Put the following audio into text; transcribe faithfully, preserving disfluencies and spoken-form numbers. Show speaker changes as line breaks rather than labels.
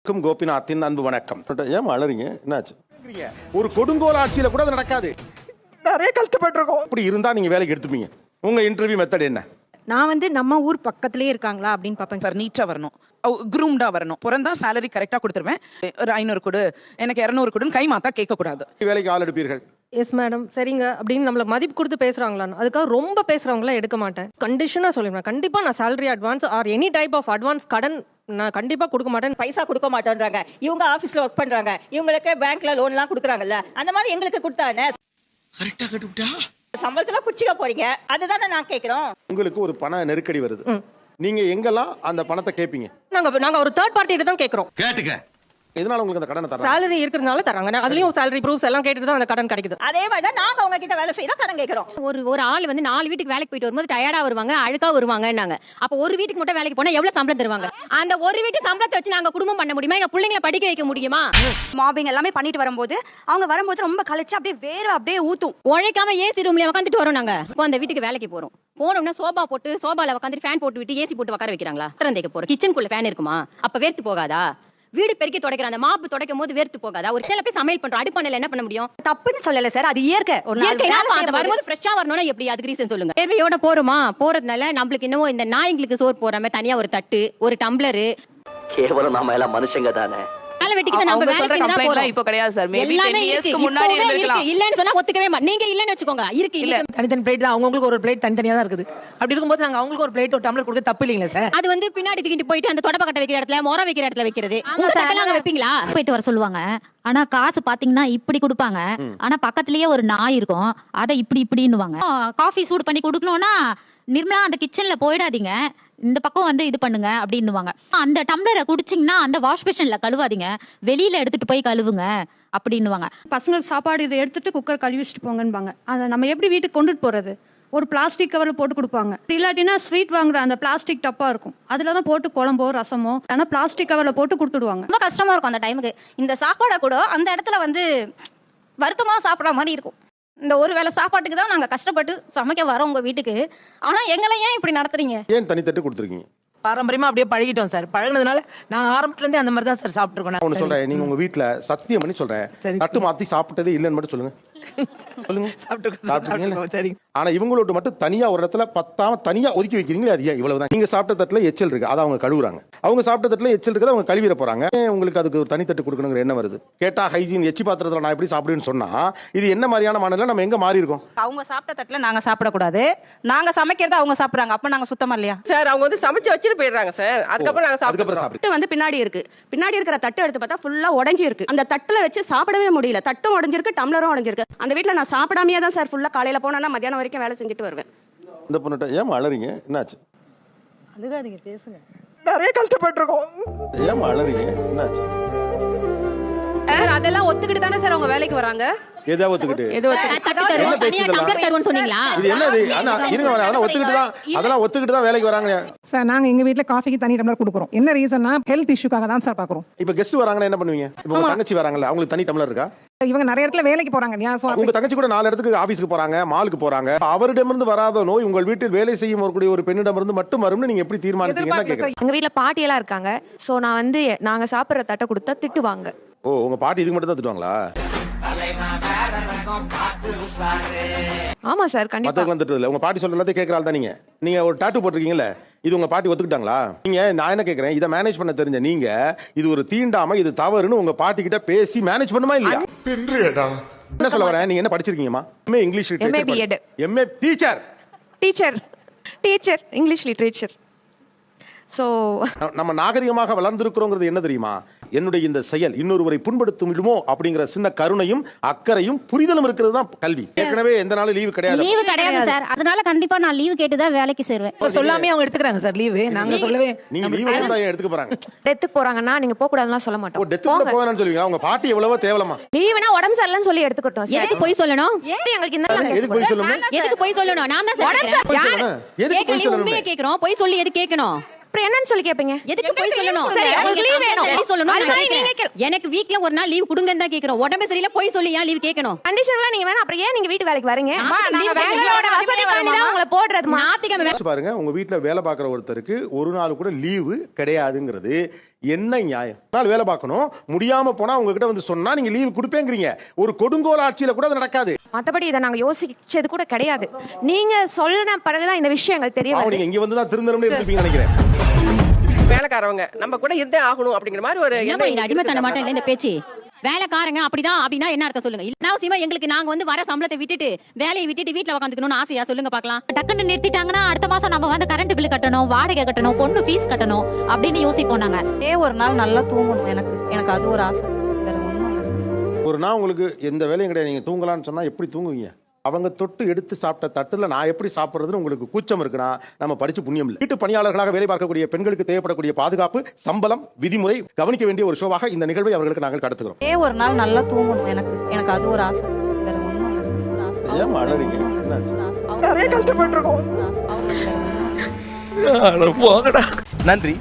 கோபிநாத்தின் அன்பு வணக்கம். ஏன் அழறீங்க? என்னாச்சு? ஒரு கொடுங்கோல் ஆட்சியில கூட அது நடக்காது.
நிறைய கஷ்டப்பட்டிருக்கோம்.
இப்படி இருந்தா நீங்க வேலைக்கு எடுத்துப்பீங்க. உங்க இன்டர்வியூ மெத்தட் என்ன?
நான் வந்து நம்ம ஊர் பக்கத்துலயே இருக்காங்களா அப்படின்னு பாப்பேன்
சார். நீட்டா வரணும், குரூம்டா வரணும். பிறந்தா சேலரி கரெக்டா கொடுத்துருவேன். ஒரு ஐநூறு கொடு, எனக்கு இருநூறு கொடுன்னு கை மாத்தா கேட்க கூடாது.
வேலைக்கு ஆள் எடுப்பீர்கள்?
எஸ் மேடம், சரிங்க அப்படின்னு நம்மளுக்கு மதிப்பு கொடுத்து பேசுறாங்களான்னு அதுக்காக ரொம்ப பேசுறவங்களாம் எடுக்க மாட்டேன். கண்டிஷனா சொல்லிடுவேன், கண்டிப்பா நான் salary advance or any type of advance கடன் நான் கண்டிப்பா கொடுக்க மாட்டேன்.
பைசா கொடுக்க மாட்டேன்றாங்க. இவங்க ஆபீஸ்ல ஒர்க் பண்றாங்க, இவங்களுக்கு பேங்க்ல லோன் எல்லாம் கொடுக்குறாங்கல்ல, அந்த மாதிரி எங்களுக்கு கொடுத்தானே.
கரெக்டா கட்டுட்டா
சம்பளத்துல குச்சிக்க போறீங்க, அதுதானே நான் கேக்குறோம்.
உங்களுக்கு ஒரு பண நெருக்கடி வருது, நீங்க எங்கெல்லாம் அந்த பணத்தை கேட்பீங்க?
நாங்க நாங்க ஒரு தேர்ட் பார்ட்டி தான் கேக்குறோம்.
கேட்டுக்க. எதனால உங்களுக்கு அந்த கடனை தராங்க?
சேலரி இருக்கிறதுனால தராங்க. அதுலயும் சேலரி ப்ரூஃப்ஸ் எல்லாம் கேட்டுட்டு தான் அந்த கடன் கிடைக்குது.
அதே மாதிரி தான் நாங்க அவங்க கிட்ட வேலை செய்யறோம், கடன் கேக்குறோம்.
ஒரு ஒரு ஆள் வந்து நாலு வீட்டுக்கு வேலைக்கு போயிட்டு வரும்போது டயர்டா வருவாங்க, அழுக்கா வருவாங்கன்னாங்க. அப்ப ஒரு வீட்டுக்கு மட்டும் வேலைக்கு போனா எவ்வளவு சம்பளம் தருவாங்க? அந்த ஒரு வீட்டு சம்பளத்தை வச்சு நாங்க குடும்பம் பண்ண முடியுமா? எங்க பிள்ளைங்களை படிக்க வைக்க முடியுமா?
மாபிங் எல்லாமே பண்ணிட்டு வரும்போது அவங்க வரும்போது ரொம்ப கழிச்சு அப்படியே வேற அப்படியே ஊத்தும்.
உழைக்காம ஏசி ரூம்ல உட்காந்துட்டு வரோம் நாங்க. இப்போ அந்த வீட்டுக்கு வேலைக்கு போறோம், போனோம்னா சோபா போட்டு சோபால உட்காந்து ஃபேன் போட்டு விட்டு ஏசி போட்டு உட்கார வைக்கிறாங்களா? திறந்தைக்கு போறோம், கிச்சனுக்குள்ள ஃபேன் இருக்குமா? அப்ப வேர்த்து போகாதா? வீடு பெருக்கி துடைக்கிற அந்த மாப்பு துடைக்கும் போது வேர்த்து போகாதா? ஒரு சில போய் சமையல் பண்றோம், அடுப்பானையில என்ன பண்ண முடியும்?
தப்புன்னு சொல்லல சார், அது இயற்கை. ஒரு
இயற்கை அது வரும்போது ஃப்ரெஷ்ஷா வரணும்னா எப்படி? அதுக்கு ரீசன் சொல்லுங்க. தேர்வையோட போறோமா, போறதுனால நம்மளுக்கு இன்னமும் இந்த நாய்களுக்கு சோறு போறாம தனியா ஒரு தட்டு, ஒரு டம்ளரு.
கேவலம் நாம எல்லாம் மனுஷங்க தானே.
வேலை வெட்டிக்கு நம்ம வேலைக்கு தான் போறோம்.
இப்போ கிடையாது சார். மேபி
எல்லாமே
ten years
இருக்கு.
க்கு முன்னாடி
இப்பவே
இருந்திருக்கலாம்.
இருக்கு. இல்லன்னு சொன்னா ஒத்துக்கவே மாட்டேன். நீங்க இல்லன்னு வெச்சுக்கோங்க. இருக்கு
இல்ல,
இல்ல.
தனித்தனி பிளேட் தான். அவங்களுக்கு ஒரு பிளேட் தனித்தனியா தான் இருக்குது. அப்படி இருக்கும்போது நாங்க அவங்களுக்கு ஒரு பிளேட் ஒரு டம்ளர் கொடுக்க தப்பு இல்லீங்களா சார்?
அது வந்து பின்னாடி தூக்கிட்டு போயிட்டு அந்த தொடப்ப கட்ட வைக்கிற இடத்துல, மொர வைக்கிற இடத்துல வைக்கிறது. உங்க சட்டல அங்க வைப்பீங்களா?
போயிட்டு வர சொல்லுவாங்க. ஆனா காசு பாத்தீங்கன்னா இப்படி கொடுப்பாங்க. ஆனா பக்கத்துலயே ஒரு நாய் இருக்கும், அதை இப்படி இப்படின்னுவாங்க. காஃபி சூடு பண்ணி கொடுக்கணும்னா நிர்மலா அந்த கிச்சன்ல போயிடாதீங்க, இந்த பக்கம் வந்து இது பண்ணுங்க அப்படின்னுவாங்க. அந்த டம்ளரை குடிச்சிங்கன்னா அந்த வாஷ் பேஷன்ல கழுவாதீங்க, வெளியில எடுத்துட்டு போய் கழுவுங்க அப்படின்னுவாங்க.
பசங்களுக்கு சாப்பாடு இதை எடுத்துட்டு குக்கர் கழுவி வச்சுட்டு போங்கன்பாங்க. அதை நம்ம எப்படி வீட்டுக்கு கொண்டுட்டு போறது? ஒரு பிளாஸ்டிக் கவர்ல போட்டு கொடுப்பாங்க. இல்லாட்டினா ஸ்வீட் வாங்குற அந்த பிளாஸ்டிக் டப்பா இருக்கும், அதுல தான் போட்டு குழம்போ ரசமோ ஆனா பிளாஸ்டிக் கவர்ல போட்டு கொடுத்துடுவாங்க.
ரொம்ப கஷ்டமா இருக்கும் அந்த டைமுக்கு. இந்த சாப்பாடை கூட அந்த இடத்துல வந்து வருத்தமா சாப்பிட்ற மாதிரி இருக்கும். இந்த ஒரு வேளை சாப்பாட்டுக்கு தான் நாங்க கஷ்டப்பட்டு சமைக்க வரோம் உங்க வீட்டுக்கு. ஆனா எங்களை ஏன் இப்படி நடத்துறீங்க?
ஏன் தனித்தட்டு கொடுத்துருக்கீங்க?
பாரம்பரியமா அப்படியே பழகிட்டோம் சார். பழகினதுனால நாங்க ஆரம்பத்துல இருந்தே அந்த மாதிரி தான் சார் சாப்பிட்டுருக்கோம்.
நான் ஒண்ணு சொல்றேன், நீங்க உங்க வீட்டுல சத்தியம் பண்ணி சொல்றேன், தட்டு மாத்தி சாப்பிட்டதே இல்லைன்னு மட்டும் சொல்லுங்க. சொல்லுங்க. சாப்பிட்டுருக்கீங்க. ஆனா இவங்களோட மட்டும் தனியா ஒரு இடத்துல பத்தாம தனியா ஒதுக்கி வைக்கிறீங்களே, அது ஏன்? இவ்வளவுதான். நீங்க சாப்பிட்ட தட்டுல எச்சல் இருக்கு, அதை அவங்க கழுவுறாங்க. அவங்க சாப்பிட்ட தட்டுல எச்சல் இருக்குது, அவங்க கழுவிட போறாங்க. உங்களுக்கு அதுக்கு ஒரு தனித்தட்டு கொடுக்கணுங்கிற என்ன வருது? கேட்டா ஹைஜீன், எச்சி பாத்திரத்துல நான் எப்படி சாப்பிடுன்னு சொன்னா இது என்ன மாதிரியான மாநிலம்? நம்ம எங்க மாறி இருக்கோம்?
அவங்க சாப்பிட்ட தட்டுல நாங்க சாப்பிடக்கூடாது, நாங்க சமைக்கிறத அவங்க சாப்பிடுறாங்க, அப்ப நாங்க சுத்தமா இல்லையா
சார்? அவங்க வந்து சமைச்சு வச்சுட்டு போயிடுறாங்க சார். அதுக்கப்புறம் நாங்க
அதுக்கப்புறம் சாப்பிட்டு
வந்து பின்னாடி இருக்கு, பின்னாடி இருக்கிற தட்டு எடுத்து பார்த்தா ஃபுல்லா உடைஞ்சி இருக்கு. அந்த தட்டுல வச்சு சாப்பிடவே முடியல, தட்டும் உடைஞ்சிருக்கு, டம்ளரும் உடைஞ்சிருக்கு. அந்த வீட்டுல நான் சாப்பிடாமையே தான் சார் ஃபுல்லா காலையில போனா மத்தியானம் வரைக்கும் வேலை செஞ்சுட்டு வருவேன்.
இந்த பொண்ணுட்ட ஏன் அழறீங்க? என்னாச்சு?
அழுகாதீங்க, பேசுங்க.
நிறைய கஷ்டப்பட்டிருக்கோம்.
ஏன் அழறீங்க? என்னாச்சு?
அதெல்லாம் ஒத்துக்கிட்டு தானே சார் அவங்க வேலைக்கு வராங்க.
எதை ஒத்துக்கிட்டு?
தட்டு தருவோம், தனியா டம்ளர் தருவோம்னு சொன்னீங்களா?
இது என்னது? ஆனா இருங்க, அதெல்லாம் ஒத்துக்கிட்டு தான் அதெல்லாம் ஒத்துக்கிட்டு தான் வேலைக்கு வராங்க
சார். நாங்க எங்க வீட்ல காஃபிக்கு தனி டம்ளர் கொடுக்குறோம். என்ன ரீசன்னா ஹெல்த் இஷ்யூக்காக தான் சார் பாக்குறோம்.
இப்ப கெஸ்ட் வராங்கன்னா என்ன பண்ணுவீங்க? இப்ப உங்க தங்கச்சி வராங்கல்ல, அவங்களுக்கு தனி டம்ளர் இருக்கா?
இவங்க நிறைய இடத்துல வேலைக்கு போறாங்க இல்லையா?
உங்க தங்கச்சி கூட நாலு இடத்துக்கு ஆபீஸ்க்கு போறாங்க, மாலுக்கு போறாங்க. அவரிடமிருந்து வராத நோய் உங்கள் வீட்டில் வேலை செய்யும் வரக்கூடிய ஒரு பெண்ணிடமிருந்து மட்டும் வரும்னு நீங்க எப்படி தீர்மானிச்சீங்கன்னா கேக்குறேன்.
எங்க வீட்ல பாட்டி எல்லாம் இருக்காங்க. சோ நான் வந்து நாங்க சாப்பிடுற தட்டை கொடுத்தா திட்டுவாங்க.
ஓ, உங்க பாட்டி இதுக்கு மட்டும் தான் திட்டுவாங்களா?
ஆமா சார், கண்டிப்பா.
மத்தவங்க திட்டது இல்ல. உங்க பாட்டி சொல்ற எல்லாத்தையும் கேக்குறாள் தான். நீங்க நீங்க ஒரு டாட்டூ போட்டிருக்கீங்கல்ல, இது உங்க பாட்டி ஒத்துக்கிட்டாங்களா? நீங்க நான் என்ன கேக்குறேன், இதை மேனேஜ் பண்ண தெரிஞ்ச நீங்க இது ஒரு தீண்டாம இது தவறுன்னு உங்க பாட்டி கிட்ட பேசி மேனேஜ் பண்ணுமா இல்லையா? என்ன சொல்ல வரேன், நீங்க என்ன படிச்சிருக்கீங்கம்மா? MA English literature, MA teacher
teacher teacher English literature. So
நம்ம நாகரிகமாக வளர்ந்திருக்கிறோங்கிறது என்ன தெரியுமா? என்னுடைய இந்த செயல் இன்னொருவரை புண்படுத்தும் விடுமோ அப்படிங்கிற சின்ன கருணையும் அக்கறையும் புரிதலும் இருக்கிறது தான் கல்வி. ஏற்கனவே எந்த நாளும் லீவு கிடையாது.
லீவு கிடையாது சார், அதனால கண்டிப்பா நான் லீவு கேட்டுதான் வேலைக்கு சேருவேன்.
சொல்லாமே அவங்க எடுத்துக்கிறாங்க சார் லீவு. நாங்க சொல்லவே
நீங்க லீவு எடுத்தா எடுத்துக்க போறாங்க.
டெத்துக்கு போறாங்கன்னா நீங்க போக கூடாதுன்னு சொல்ல மாட்டோம்.
டெத்துக்கு கூட போவேன்னு சொல்லுவீங்க. அவங்க பாட்டி எவ்வளவோ தேவலமா?
லீவுனா உடம்பு சரியில்லைன்னு சொல்லி எடுத்துக்கிட்டோம்.
எதுக்கு போய் சொல்லணும்?
ஏன் எங்களுக்கு இந்த
எதுக்கு போய் சொல்லணும்?
எதுக்கு போய் சொல்லணும்? நான் தான் சார்
எதுக்கு போய் சொல்லணும்?
உண்மையை கேக்குறோம், போய் சொல்லி எது கேட்கணும்?
அப்புறம் என்னன்னு சொல்லி கேப்பீங்க?
எதுக்கு போய் சொல்லணும்?
சரி, உங்களுக்கு லீவ் வேணும்.
பொய் சொல்லணும்
அது
நான்
மாதிரி நீங்க
கேக்குறேன். எனக்கு வீக்ல ஒரு நாள் லீவ் கொடுங்கன்னு தான் கேக்குறோம். உடம்பு சரியில்ல போய் சொல்லி ஏன் லீவ் கேட்கணும்?
கண்டிஷன்லாம் நீங்க வேணா அப்புறம் ஏன் நீங்க வீட்டு வேலைக்கு வரீங்க?
நாங்க
நாங்க வேலையோட வசதிக்காண்டி தான் உங்களை போடுறதுமா.
ஞாயிற்றுக்கிழமை
யோசிச்சு பாருங்க, உங்க வீட்டுல வேலை பார்க்குற ஒருத்தருக்கு ஒரு நாள் கூட லீவு கிடையாதுங்கிறது என்ன நியாயம்? நாள் வேலை பார்க்கணும், முடியாம போனா உங்ககிட்ட வந்து சொன்னா நீங்க லீவு கொடுப்பேங்கிறீங்க. ஒரு கொடுங்கோல் ஆட்சியில கூட அது நடக்காது.
மத்தபடி இதை நாங்க யோசிச்சது கூட கிடையாது. நீங்க சொன்ன பிறகுதான் இந்த விஷயம் எங்களுக்கு தெரிய
அவங்க
வருது.
நீங்க இங்க வந்து தான் திருந்தணும்னு இருப்பீங்க நினைக்கிறேன்.
வேலைக்காரவங்க நம்ம கூட இருந்தே ஆகணும் அப்படிங்கிற மாதிரி ஒரு
என்னமா இது அடிமைத்தன மாட்டேன் இல்ல இந்த பேச்சு? வேலைக்காரங்க அப்படிதான் அப்படின்னா என்ன அர்த்தம் சொல்லுங்க? இல்ல எங்களுக்கு நாங்க வந்து வர சம்பளத்தை விட்டுட்டு வேலையை விட்டுட்டு வீட்டுல உட்காந்துக்கணும்னு ஆசையா சொல்லுங்க பாக்கலாம்.
டக்குன்னு நிறுத்திட்டாங்கன்னா அடுத்த மாசம் நம்ம வந்து கரண்ட் பில் கட்டணும், வாடகை கட்டணும், பொண்ணு ஃபீஸ் கட்டணும் அப்படின்னு யோசிப்போம் நாங்க.
ஏ ஒரு நாள் நல்லா தூங்கணும். எனக்கு எனக்கு அது ஒரு ஆசை. வேற ஒண்ணும் இல்ல.
ஒரு நாள் உங்களுக்கு எந்த வேலையும் கிடையாது, நீங்க தூங்கலாம்னு சொன்னா எப்படி தூங்குவீங்க? அவங்க தொட்டு எடுத்து சாப்பிட்ட தட்டுல நான் எப்படி சாப்பிடுறதுன்னு உங்களுக்கு கூச்சம் இருக்குன்னா நம்ம படிச்சு புண்ணியம் இல்லை. வீட்டு பணியாளர்களாக வேலை பார்க்கக்கூடிய பெண்களுக்கு தேவைப்படக்கூடிய பாதுகாப்பு, சம்பளம், விதிமுறை கவனிக்க வேண்டிய ஒரு ஷோவாக இந்த நிகழ்வை அவர்களுக்கு நாங்கள் கடத்துகிறோம்.
ஏ ஒரு நாள் நல்லா தூங்கணும். எனக்கு எனக்கு அது ஒரு ஆசை. வேற ஒண்ணும் இல்ல. ஒரு ஆசை.
ஏன் அழறீங்க?
நிறைய கஷ்டப்பட்டிருக்கோம்.
நன்றி.